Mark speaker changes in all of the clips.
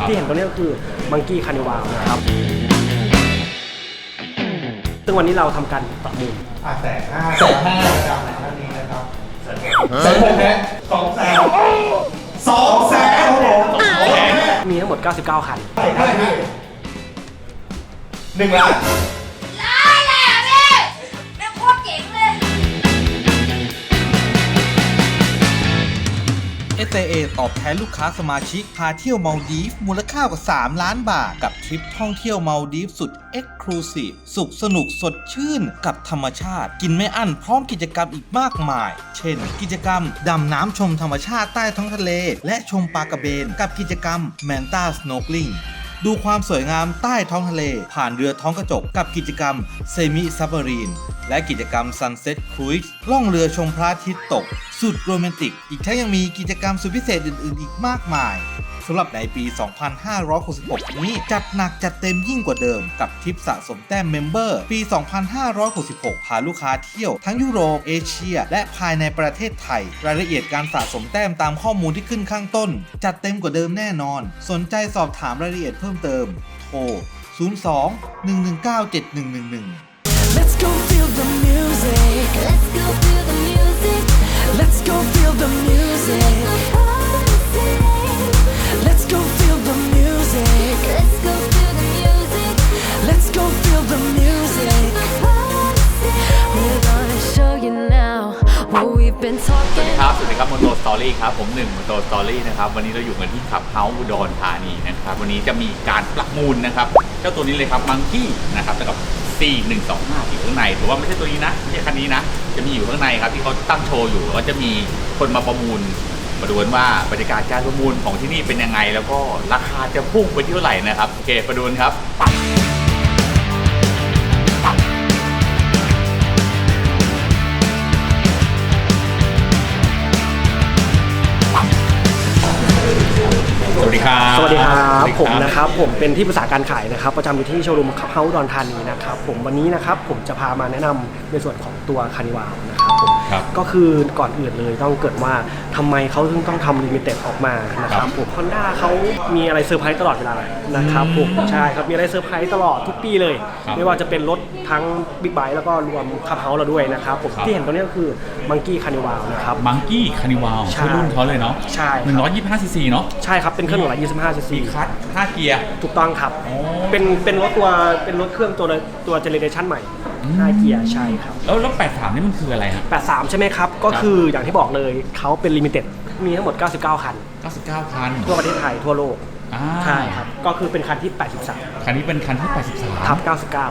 Speaker 1: ที่เห็นตรงนี้ก็คือมังกี้คานิวาลนะครับซึ่งวันนี้เราทำการประมูล
Speaker 2: 150,000จากไหนท่านนี้นะครับ200,000ครับผม
Speaker 1: มีทั้งหมด99คัน
Speaker 2: ใช่ครับ1 ล้าน
Speaker 3: ได้เลยอ่ะพี่แม่งโคตรเจ๋งเลย
Speaker 4: SAA ตอบแทนลูกค้าสมาชิกพาเที่ยวมัลดีฟมูลค่ากว่า3 ล้านบาทกับทริปท่องเที่ยวมัลดีฟสุด Exclusive สุขสนุกสดชื่นกับธรรมชาติกินไม่อั้นพร้อมกิจกรรมอีกมากมายเช่นกิจกรรมดำน้ำชมธรรมชาติใต้ท้องทะเลและชมปลากระเบนกับกิจกรรม Manta Snorkeling ดูความสวยงามใต้ท้องทะเลผ่านเรือท้องกระจกกับกิจกรรม Semi Submarine และกิจกรรม Sunset Cruise ล่องเรือชมพระอาทิตย์ตกสุดโรแมนติกอีกทั้งยังมีกิจกรรมสุดพิเศษอื่นๆอีกมากมายสำหรับในปี 2566 นี้จัดหนักจัดเต็มยิ่งกว่าเดิมกับทริปสะสมแต้มเมมเบอร์ปี 2566 พาลูกค้าเที่ยวทั้งยุโรปเอเชียและภายในประเทศไทยรายละเอียดการสะสมแต้มตามข้อมูลที่ขึ้นข้างต้นจัดเต็มกว่าเดิมแน่นอนสนใจสอบถามรายละเอียดเพิ่มเติมโทร 02-119-7111
Speaker 5: Let's go feel the music.
Speaker 3: Let's go feel the music.
Speaker 5: Let's go feel the music. Let's go feel the music.
Speaker 3: Let's go feel the music.
Speaker 5: Let's go feel the music. We're gonna show you now what we've been
Speaker 6: สวัส
Speaker 5: talking.
Speaker 6: ดีครับ สวัสดีครับมอนโตสตอรี่ครับ ผม1มอนโตสตอรี่นะครับ วันนี้เราอยู่กันที่ขับเฮาส์อุดรธานีนะครับ วันนี้จะมีการประมูลนะครับ เจ้าตัวนี้เลยครับมังกี้นะครับกับ4125อยู่ข้างในถือว่าไม่ใช่ตัวนี้นะไม่ใช่คันนี้นะจะมีอยู่ข้างในครับที่เขาตั้งโชว์อยู่แล้วจะมีคนมาประมูลมาดูกันว่าบรรยากาศการประมูลของที่นี่เป็นยังไงแล้วก็ราคาจะพุ่งไปที่เท่าไหร่นะครับโอเคมาดูกันครับสวัสดีครับ
Speaker 1: สวัสดีครับผมนะครับผมเป็นที่ปรึกษาการขายนะครับประจำอยู่ที่โชว์รูมขับเฮาส์อุดรธานีนะครับผมวันนี้นะครับผมจะพามาแนะนำในส่วนของตัวคานิวาลนะครับผมก็คือก่อนอื่นเลยต้องเกิดว่าทำไมเขาถึงต้องทำลิมิเต็ดออกมานะครับผม Honda เขามีอะไรเซอร์ไพรส์ตลอดเวลานะครับผมใช่ครับมีอะไรเซอร์ไพรส์ตลอดทุกปีเลยไม่ว่าจะเป็นรถทั้งบิ๊กไบค์แล้วก็รวมขับเฮาส์เราด้วยนะครับผมที่เห็นตรงนี้ก็คือมังกี้คานิวาลนะครับ
Speaker 6: มังกี้คานิวาลชื่อรุ่นเขาเลยเนาะ
Speaker 1: ใช่
Speaker 6: 125ซีซีเนาะ
Speaker 1: ใช่ครับเป็นเครื่อง125ซีซี
Speaker 6: คัท5เกียร์
Speaker 1: ถูกต้องครับเป็นรถเครื่องตัวเจเนเรชันใหม่5เกียร์ใช่ครับ
Speaker 6: แล้ว83นี่มันคืออะไรฮะ
Speaker 1: 83ใช่ไหมครับก็คืออย่างที่บอกเลยเขาเป็นลิมิเต็ดมีทั้งหมด99คัน
Speaker 6: 99คัน
Speaker 1: ทั่วประเทศไทยทั่วโลกใช่ครับก็คือเป็นคันที่83
Speaker 6: คันนี้เป็นคันที่83
Speaker 1: ทับ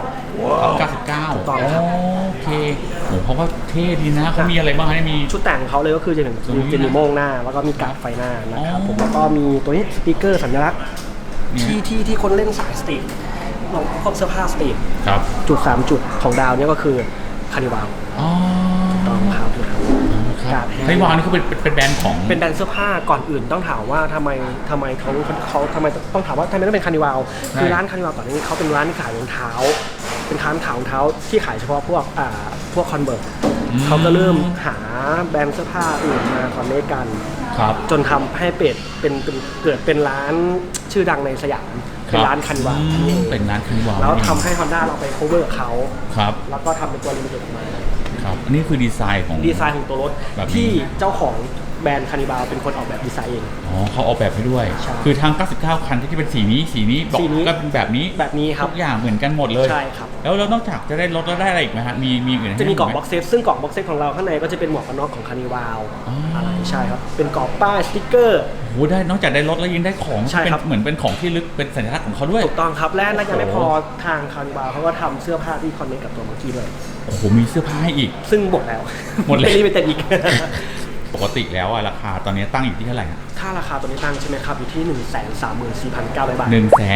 Speaker 6: 99
Speaker 1: ถูกต้องครับ
Speaker 6: โอเคโหเพราะว่าเท่ดีนะเขามีอะไรบ้างมี
Speaker 1: ชุดแต่งเขาเลยก็คือจะมีโม่งหน้าแล้วก็มีกราฟไฟหน้านะครับผมแล้วก็มีตัวนี้สติ๊กเกอร์สัญลักษณ์ที่คนเล่นสายสตรีทลองพวกเสื้อผ้าสตรีทจุด3จุดของดาวนี่ก็คือคานิวาลถูกต้องครับ
Speaker 6: คานิวาลนี่เขาเป็นแบรนด์ของ
Speaker 1: เป็นแบรนด์เสื้อผ้าก่อนอื่นต้องถามว่าทำไมเขาทำไมต้องถามว่าทำไมต้องเป็นคานิวาลคือร้านคานิวาลก่อนนี้เขาเป็นร้านที่ขายรองเท้าเป็นร้านขายรองเท้าที่ขายเฉพาะพวกคอนเวิร์ตเขาก็เริ่มหาแบรนด์เสื้อผ้าอื่นมาคอนเนคกันจนทำให้เกิดเป็นร้านชื่อดังในสยามเป็นร้านคานิวาล
Speaker 6: เป็นร้านคานิวาล
Speaker 1: แล้วทำให้ Honda เราไป cover เขาแล้วก็ทำเป็นตัวลิมิเต็ดออกมา
Speaker 6: ครับอันนี้คือดีไซน์ของ
Speaker 1: ตัวรถที่เจ้าของแบรนด์คานิวาลเป็นคนออกแบบดีไซน์เอง
Speaker 6: เขาออกแบบให้ด้วยคือทาง99คันที่เป็นสีนี้บอกก็เป็นแบบนี้
Speaker 1: ครับ
Speaker 6: ทุกอย่างเหมือนกันหมดเลย
Speaker 1: ใช่ครับ
Speaker 6: แล้วนอกจากจะได้รถแล้วได้อะไรอีกไหมฮะมีอื่น
Speaker 1: จะมีกล่องบ็อกเซตซึ่งกล่องบ็อกเซตของเราข้างในก็จะเป็นหมวกกันน็อกของคานิวาลอะไรใช่ครับเป็นกรอบป้ายสติ๊กเกอร์
Speaker 6: โอ้ได้นอกจากได้รถแล้วยังได้ของเป็นเหมือนเป็นของที่ลึกเป็นสัญลักษณ์ของเขาด้วย
Speaker 1: ถูกต้องครับและยังไม่พอทางคานิวาลเขาก็ทำเสื้อผ้าที่คอนเนคกับตัวมังกี้ด้วย
Speaker 6: โอ้โหมีเสื้อผ้าให้อีก
Speaker 1: ซึ่งหมดแล้วไม่เป็นอีก
Speaker 6: ปกติแล้วราคาตอนนี้ตั้งอยู่ที่เท่าไหร่
Speaker 1: ถ้าราคาตัวนี้ตั้งใช่ไหมครับอยู่ที่ 134,900 บาท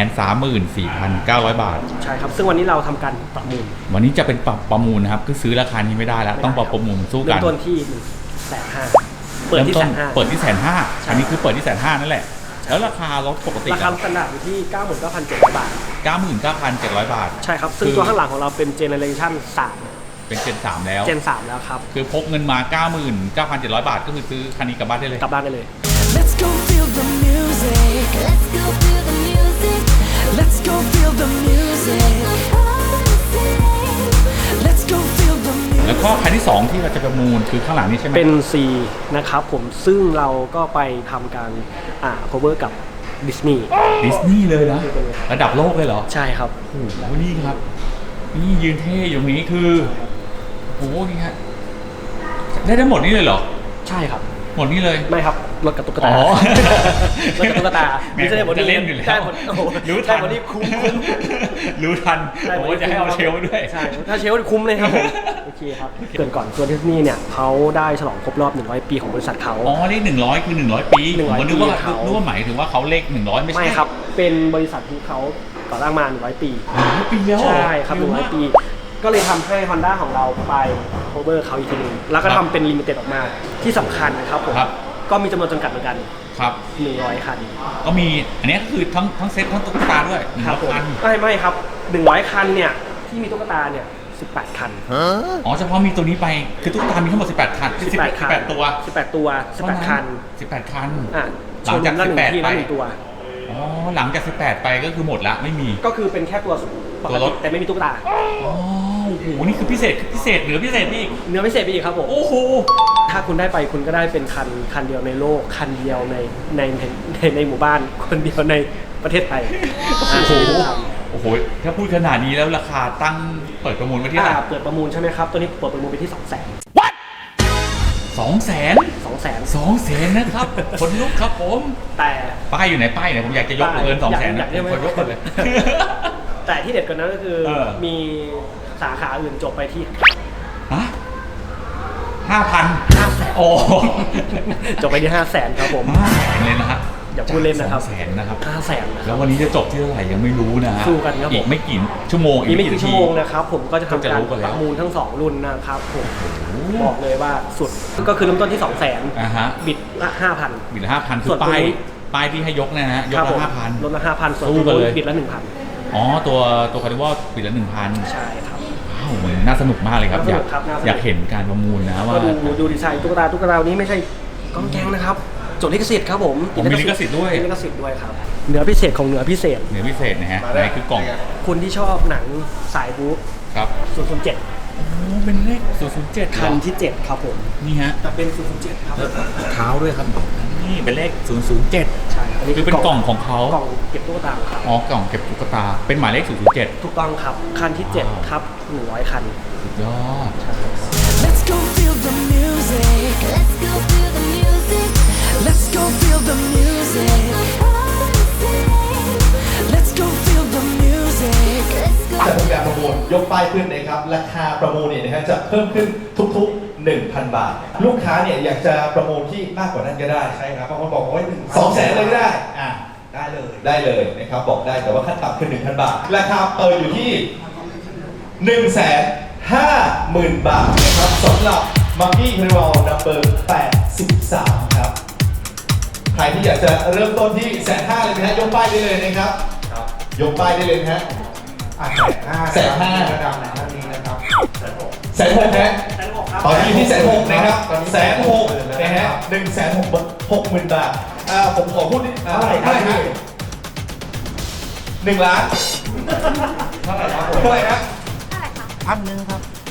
Speaker 6: 134,900 บาท
Speaker 1: ใช่ครับซึ่งวันนี้เราทำการประมูล
Speaker 6: วันนี้จะเป็นประมูลนะครับคือซื้อราคานี้ไม่ได้แล้วต้องประมูลสู้กัน
Speaker 1: เริ่มต้นที่ 150,000เปิดที่ 150,000
Speaker 6: เปิดที่ 150,000อันนี้คือเปิดที่ 150,000นั่นแหละแล้วราคารถปกติ
Speaker 1: ราคาสแตนดาร์ดอยู่ที่ 99,700 บาท
Speaker 6: 99,700 บาท
Speaker 1: ใช่ครับซึ่งตัวข้างหลังของเราเป็นเจเนเรชั่น3
Speaker 6: เป็นเจน3แล้ว
Speaker 1: เจน3แล้วครับ
Speaker 6: คือพกเงินมา 99,700 บาทก็คือซื้อคันนี้กลับบ้านได้เลย
Speaker 1: กลับบ้านได้เลย
Speaker 5: Let's go feel the music. Let's go feel the music. Let's go feel the music. Let's go feel the music.
Speaker 6: แล้วก็คันที่ 2 ที่เราจะประมูลคือข้างหลังนี้ใช่ไหม
Speaker 1: เป็น C นะครับผมซึ่งเราก็ไปทำการcover กับดิสนีย์
Speaker 6: ดิสนีย์เลยนะระดับโลกเลยเหรอ
Speaker 1: ใช่ครับ
Speaker 6: โอ้โหนี่ครับ นี่ยืนเท่อยู่ตรงนี้คือโอ้โหนี่ฮะได้ทั้งหมดนี้เลยเหรอ
Speaker 1: ใช่ครับ
Speaker 6: หมดนี้เลย
Speaker 1: ไม่ครับรถกับตุ๊ก
Speaker 6: อ๋
Speaker 1: ตา
Speaker 6: อ
Speaker 1: รถกับตุ๊กตา
Speaker 6: แหม่ผมจะเล่นอยู่แล้ว
Speaker 1: ได้หมดโอ้โห
Speaker 6: รู้ทัน
Speaker 1: ได้หมดนี่คุ้ม
Speaker 6: รู้ทัน
Speaker 1: ได้ห
Speaker 6: ผม
Speaker 1: มด
Speaker 6: ว่าจะให้เอาเชลฟ์ด้วย
Speaker 1: ใช่ถ้าเชลฟ์คุ้มเลยครับผมโอเคครับเกรินก่อนตัวดิสนีย์เนี่ยเขาได้ฉลองครบรอบ100 ปีของบริษัทเขา
Speaker 6: อ๋อเลข100 คือ 100 ปีผมก็นึกว่า
Speaker 1: ปีเขา
Speaker 6: นึกว่าหมายถึงว่าเขาเลข100ไม่ใช่
Speaker 1: ไม่ครับเป็นบริษัทที่เขาก่อตั้งมา100 ปี
Speaker 6: 100 ปีแล้วเหอ
Speaker 1: ใช่ครับ100 ปี ก็เลยทำให้ Honda ของเราไป cover เขาอีกทีนึงแล้วก็ทำเป็น limited ออกมาที่สำคัญนะครับผม
Speaker 6: ครับ
Speaker 1: ก็มีจำนวนจำกัดเหมือนกัน
Speaker 6: ครับ
Speaker 1: 100 คัน
Speaker 6: ก็มีอันนี้ก็คือทั้งเซ็ตทั้งตุ๊กตาด้วย
Speaker 1: ครับผม
Speaker 6: 100 คัน
Speaker 1: ไม่ครับ100 คันเนี่ยที่มีตุ๊กตาเนี่ย18 คัน
Speaker 6: อ๋อเฉพาะมีตัวนี้ไปคือตุ๊กตามีทั้งหมด18 คัน
Speaker 1: 18 คัน
Speaker 6: 18 ตัว
Speaker 1: 18 ตัว18 คัน
Speaker 6: 18 คัน
Speaker 1: อ่ะ
Speaker 6: หลังจาก
Speaker 1: ชนละ1 ที่
Speaker 6: 18 ไป
Speaker 1: ละ1ตัว
Speaker 6: อ๋อหลังจาก18 ไปก็คือหมดละไม่มี
Speaker 1: ก็คือเป็นแค่ตัวปก
Speaker 6: ตัวร
Speaker 1: ติ
Speaker 6: ถ
Speaker 1: แต่ไม่มีตุ๊กตา
Speaker 6: อ๋อโอ้โหนี่คือพิเศษเหนือพิเศษนี่อีก
Speaker 1: เนื้อพิเศษไปอีกครับผม
Speaker 6: โอ้โห
Speaker 1: ถ้าคุณได้ไปคุณก็ได้เป็นคันเดียวในโลกคันเดียวในหมู่บ้านคนเดียวในประเทศไทย
Speaker 6: โอ้โห
Speaker 1: ครับ
Speaker 6: โอ้โหถ้าพูดขนาดนี้แล้วราคาตั้งเปิดประมูลไว้ที่เท่าไหร่
Speaker 1: เปิดประมูลใช่ไหมครับตัวนี้เปิดประมูลไปที่ 200,000
Speaker 6: 200,000 200,000นะครับคนลุกครับผม
Speaker 1: แต่
Speaker 6: ป้ายอยู่ไหนป้ายไหนผมอยากจะยกเกิน 200,000
Speaker 1: อยา
Speaker 6: นะ
Speaker 1: กได้ไหม
Speaker 6: ผมขอยกกันเลย
Speaker 1: แต่ที่เด็ดกว่านั้นก็คือ มีสาขาอื่นจบไปที่
Speaker 6: ฮะ 5,000 โอ้
Speaker 1: จบไปที่ 500,000 ครับผม
Speaker 6: 500,000เลยนะฮะ
Speaker 1: อย่าพูดเล่นนะครับ
Speaker 6: 200,000นะครับ
Speaker 1: 500,000 นะค
Speaker 6: แล้
Speaker 1: รับ
Speaker 6: ววันนี้จะจบที่เท่าไหร่ยังไม่รู้นะฮะ
Speaker 1: สู้กันครับผม
Speaker 6: อีกไม่กี่ชั่วโมง
Speaker 1: อีกไม่กี่ชั่วโมงนะครับผมก็จะทำ
Speaker 6: ก็จะ
Speaker 1: การ
Speaker 6: รู้กันแล้ว
Speaker 1: ประมูลทั้ง 2 รุ่นนะครับผมบอกเลยว่าสุดก็คือเริ่มต้นที่ 200,000
Speaker 6: อ่าฮะ
Speaker 1: บิดละ 5,000
Speaker 6: บิดละ 5,000 คื
Speaker 1: ส่
Speaker 6: อ
Speaker 1: วนตัวนี้
Speaker 6: ป้ายที่ให้ยกเนยนะฮะยก
Speaker 1: ครับผ
Speaker 6: ละ
Speaker 1: ม
Speaker 6: 5,000
Speaker 1: ลดละ 5,000 ส่วน
Speaker 6: สู้
Speaker 1: ตัว
Speaker 6: กันเลย
Speaker 1: บิดละ 1,000
Speaker 6: อ๋อตัวคาร์ดิวอลบิดละ 1,000
Speaker 1: ใช่ครับ
Speaker 6: ว้าวมันน่าสนุกมากเลยครับ
Speaker 1: น่าสนุกครับน่าสนุก
Speaker 6: อยากเห็นการประมูลนะว่า
Speaker 1: ก็ดูดีไซน์ตุ๊กตานี้ไม่ใช่ก้องแกงนะครับจดลิขสิทธิ์ครับผม
Speaker 6: ผมมีลิขสิทธิ์ด้วย
Speaker 1: มีลิขสิทธิ์ด้วยครับเนื้อพิเศษของเนื้อพิเศษ
Speaker 6: เนื้อพิเศษนะฮะในคือกล่อง
Speaker 1: คนที่ชอบหนังสายบู๊
Speaker 6: ครับ
Speaker 1: 007
Speaker 6: โอ้เป็นเลข007
Speaker 1: คันที่ 7 ครับผม
Speaker 6: นี่ฮะ
Speaker 1: จะเป็น 007 ครับ
Speaker 6: เท้าด้วยครับนี่เป็นเลข 007
Speaker 1: ใช่อันนี้
Speaker 6: คือเป็นกล่องของเขา
Speaker 1: กล่องเก็บตุ๊กตาของเขา
Speaker 6: อ๋อกล่องเก็บตุ๊กตาเป็นหมายเลข 007
Speaker 1: ถูกต้องครับคันที่ 7 ครับ 100 คัน
Speaker 6: สุดยอด
Speaker 5: Let's go feel the music. Let's go feel the music. Let's go feel the music. Let's go feel the music. Let's go.
Speaker 2: จะทำการประมูลยกป้ายขึ้นนะครับราคาประมูลเนี่ยนะฮะจะเพิ่มขึ้นทุกๆ 1,000 บาท ลูกค้าเนี่ยอยากจะประมูลที่มากกว่านั้นก็ได้ใช่ครับบางคนบอกว่า200,000เลยก็ได้ได้เลยนะครับบอกได้แต่ว่าขั้นต่ำคือ 1,000 บาท ราคาเปิดอยู่ที่ 150,000 บาทนะครับสำหรับมังกี้คาริวอลนัมเบอร์83ครับใครที่อยากจะเริ่มต้นที่150,000เลยนะฮะยกป้ายได้เลยนะครับยกป้ายได้เลยนะฮะ150,000ระดับไหนท่านนี้นะครับ160,000ฮะตอนนี้อยู่ที่160,000นะครับ160,000นะฮะ160,000 บาทผมขอพูดเท่าไหร่ฮะ1 ล้านเท่าไหร่ครับเท่าไหร่ครับ160,000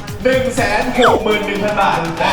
Speaker 2: บาทนะ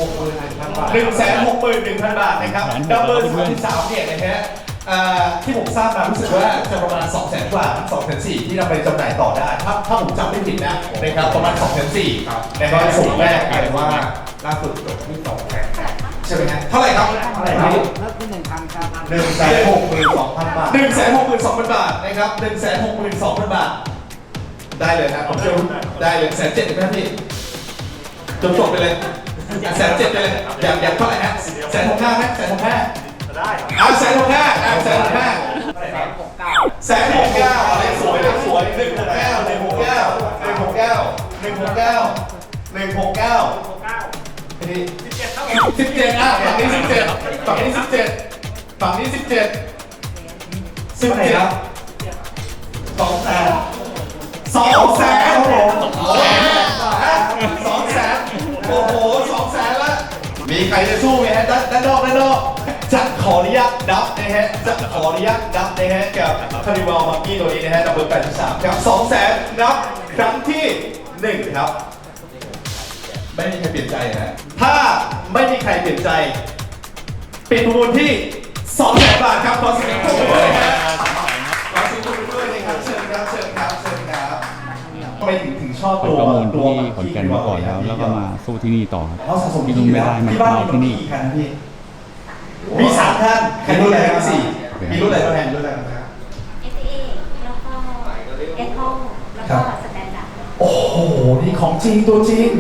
Speaker 2: 160,000 บาทนะครับดับเบิล33เนี่ยนะฮะที่ผมทราบมารู้สึกว่าจะประมาณ 200,000 กว่า 2,400,000 ที่นำไปจำหน่ายต่อได้ ถ้าผมจำไม่ผิดนะนะครับประมาณ 2,400,000นะครับสูงแรกกลายเป็นว่าล่าสุดจบที่200,000ใช่ไหมฮะเท่าไหร่ครับเท่าไหร่ครับเริ่มที่ 1,000 ครับ 162,000 บาท 162,000 บาทนะครับ 162,000 บาทได้เลยนะผมเชื่อได้เลย170,000ไหมพี่จบไปเลย170,000ไปเลยอยากเท่าไหร่ฮะ165,000ไหม165,000ได้ครับ165,000อะไรสวย169ฝั่งนี้17ครับ200,000ครับผม200,000โอ้โห200,000ละมีใครจะสู้ไหมฮะด้านนอกจะขออนุญาตนับนะฮะจะขออนุญาตนับนะฮะกับคาริวาลมังกี้ตัวนี้นะฮะดับเบิล83ครับ200,000นับครั้งที่1ครับไม่มีใครเปลี่ยนใจนะถ้าไม่มีใครเปลี่ยนใจปิดประมูลที่ 200,000 บาทครับขอเสียงปรบมือด้วยนะฮะขอเสียงปรบมือด้วยนะครับเชิญครับเชิญครับเชิญครับทำไมถึงชอบ
Speaker 7: ไป
Speaker 2: ตัว
Speaker 7: ประมูล
Speaker 2: ตัว
Speaker 7: ที่ขอนแก่นมาก่อนแล้วก็มาสู้ที่นี่ต่อครับ
Speaker 2: เขาสะสม
Speaker 7: ที่นู่นไม่ได้มัน
Speaker 2: ที่บ้าน
Speaker 7: เอาที่นี่
Speaker 2: มีกี่คันพี่มี3ท่านใครรุ่นอะไรครับสี่มีรุ่นอะไรบ้างแทนรุ่นอะไรบ้างครับ
Speaker 3: SA แล้วก็ Echo แล้วก็สแตนดาร์ด
Speaker 2: โอ้โห นี่ของจริงตัวจริง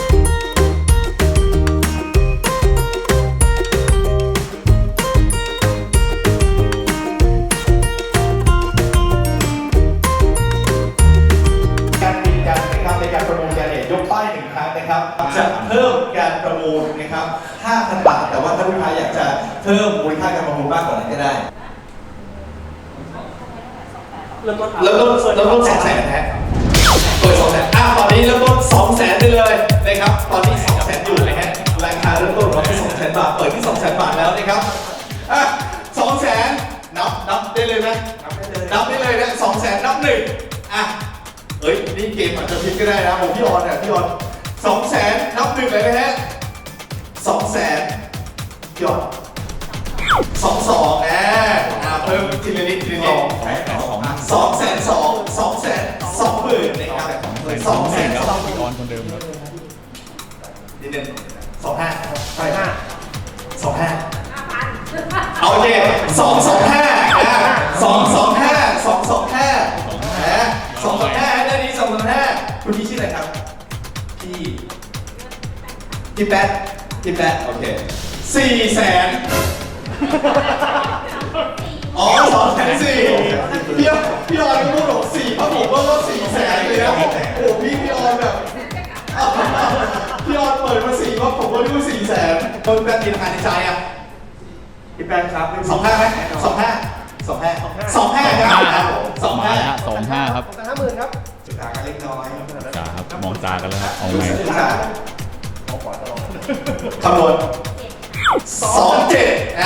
Speaker 2: การบินกันนะครับในการประมูลกันเนี่ยยกป้าย1 ครั้งนะครับ จะเพิ่มการประมูลนะครับ 5,000 บาท แต่ว่าถ้าลูกค้าอยากจะเพิ่มมูลค่าการประมูลมากกว่านั้นก็ได้เริ่มต้น200,000ฮะเปิด200,000ตอนนี้เริ่มต้น200,000ได้เลยนะครับ ตอนนี้200,000อยู่นะฮะราคาเริ่มต้นของเราที่200,000 บาท เปิดที่ 200,000 บาทแล้วนะครับ200,000นับได้เลยไหมนับได้เลยนะ200,000นับ1เฮ้ยนี่เกมอาจจะพลิกก็ได้นะผมพี่ออนเนี่ยพี่ออน200,000นับ1เลยนะฮะ200,000พี่ออน22เพิ่มทีละนิดทีละนิด220,000นะครับ220,000
Speaker 7: ครับพี่ออนคนเดิมครับ
Speaker 2: นิดนึง25โอเค225ได้ดี225คุณพี่ชื่ออะไรครับพี่แป๊ดโอเค400,000อ๋อ240,000พี่ออนก็พูดบอก4เพราะผมว่า400,000เลยนะโอ้พี่ออนแบบพี่ออนเปิดมา4ว่าผมก็รู้400,000คนแบบมีราคาในใจอ่ะพี่แป๊ดครับ25ไหม25ครับ
Speaker 7: มาแล้วฮะ25 ครับ
Speaker 1: 50,000ครับ
Speaker 2: จุดต่างกันเล็กน้อย
Speaker 7: จ่าครับมองตากันแล้วครับเอาไง
Speaker 2: คำนวณ27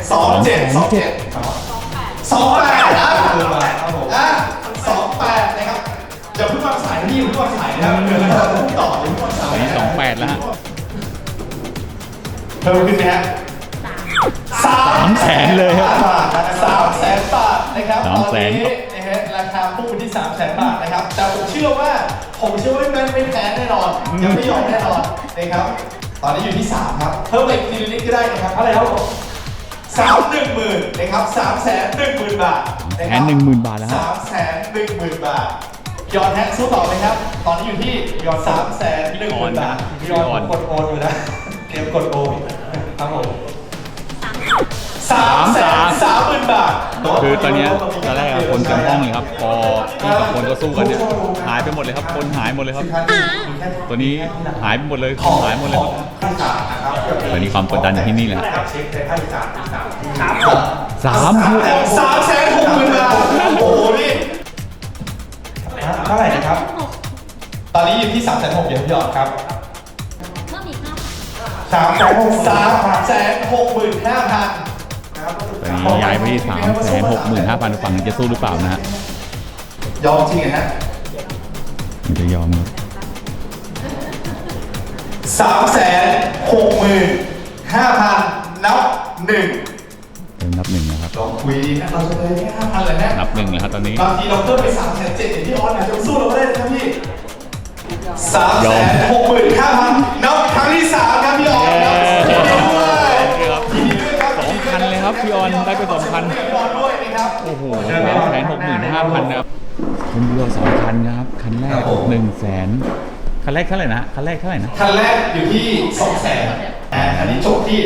Speaker 2: นะครับอย่าเพิ่งวางสายนะพี่อย่าเพิ่งวางสายนะครับเดี๋ยวเราต้องต่ออย่าเพิ่งวางสาย
Speaker 7: ตอนนี้28 แล้วฮะ
Speaker 2: เพิ่มขึ้นไหมฮะ
Speaker 7: 300,000เลยครับ
Speaker 2: 300,000 บาทนะครับตอน
Speaker 7: 300,000
Speaker 2: นี้นะฮะราคาพุ่งไปที่ 300,000 บาทนะครับแต่ผมเชื่อว่าไม่แพ้แน่นอนยังไม่ยอมแน่นอนนะครับตอนนี้อยู่ที่3ครับเพิ่มอีกทีนิดก็ได้นะครับอะไรครับผม310,000นะครับ310,000 บาทนะครับ
Speaker 7: 310,000 บาทแล้วฮะ
Speaker 2: 310,000 บาทยอดแฮกสู้ต่อไหมครับตอนนี้อยู่ที่ยอด310,000 บาทยอดกดโอนอยู่นะเตรียมกดโอนครับผม330,000 บาท
Speaker 7: คือตอนเนี้ยตอนแรกอะคนเต็มห้องเลยครับ พอที่2 คนก็สู้กันเนี่ยหายไปหมดเลยครับ คนหายหมดเลยครับ ตัวนี้หายไปหมดเลยหายหมดเลยครับตอนนี้ความกดดันอยู่ที่นี่แหละ
Speaker 2: 360,000 บาทโอ้โหนี่เท่าไหร่นะครับ ตอนนี้อยู่ที่ 360,000เดี๋ยวพี่ยอดครับ
Speaker 3: เพิ่มอีก
Speaker 2: 365,000
Speaker 7: ตอนนี้ย้ายไปที่ 365,000 ฝั่งจะสู้หรือเปล่านะฮะ
Speaker 2: ยอมจริงฮะ
Speaker 7: มันจะยอมครับ
Speaker 2: 365,000 นับ 1
Speaker 7: เริ่มนับ 1 นะครับ
Speaker 2: ลองคุยดีนะเราจะเลยแค่ 5,000 เลยนะ
Speaker 7: นับ 1 แล้วครับตอนนี้
Speaker 2: บางทีเราเพิ่มไป 370,000อย่างที่ออนอาจจะสู้เราก็ได้นะครับพี่ 365,000 นับครั้งที่ 3 ครับพี่ออนครับยินดีด้วยยินดีด้วยครับ
Speaker 7: 2,000 เลยครับพี่ออนได้ไป 2,000
Speaker 2: พี่ออนด้วยนะครับ
Speaker 7: โอ้โห365,000 นะครับคนเดียว2 คันนะครับ คันแรก 100,000 คันแรกเท่าไหร่นะ คันแรกเท่าไหร่นะ
Speaker 2: คันแรกอยู่ที่ 200,000อันนี้จบที่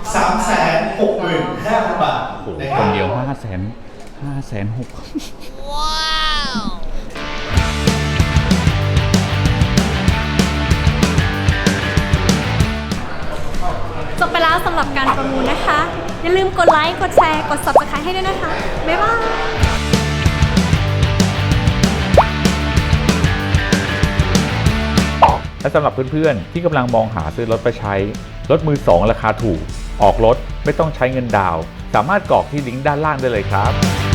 Speaker 2: 365,000 บาท
Speaker 7: โอ้โห
Speaker 2: นะ
Speaker 7: ค
Speaker 2: รับ
Speaker 7: นเดียว 506,000
Speaker 8: จบไปแล้วสำหรับการประมูลนะคะ อย่าลืมกดไลค์ กดแชร์ กด Subscribe ให้ด้วยนะคะ บ๊ายบาย
Speaker 6: และสำหรับเพื่อนๆที่กำลังมองหาซื้อรถไปใช้ รถมือ 2 ราคาถูกออกรถไม่ต้องใช้เงินดาวน์สามารถกรอกที่ลิงก์ด้านล่างได้เลยครับ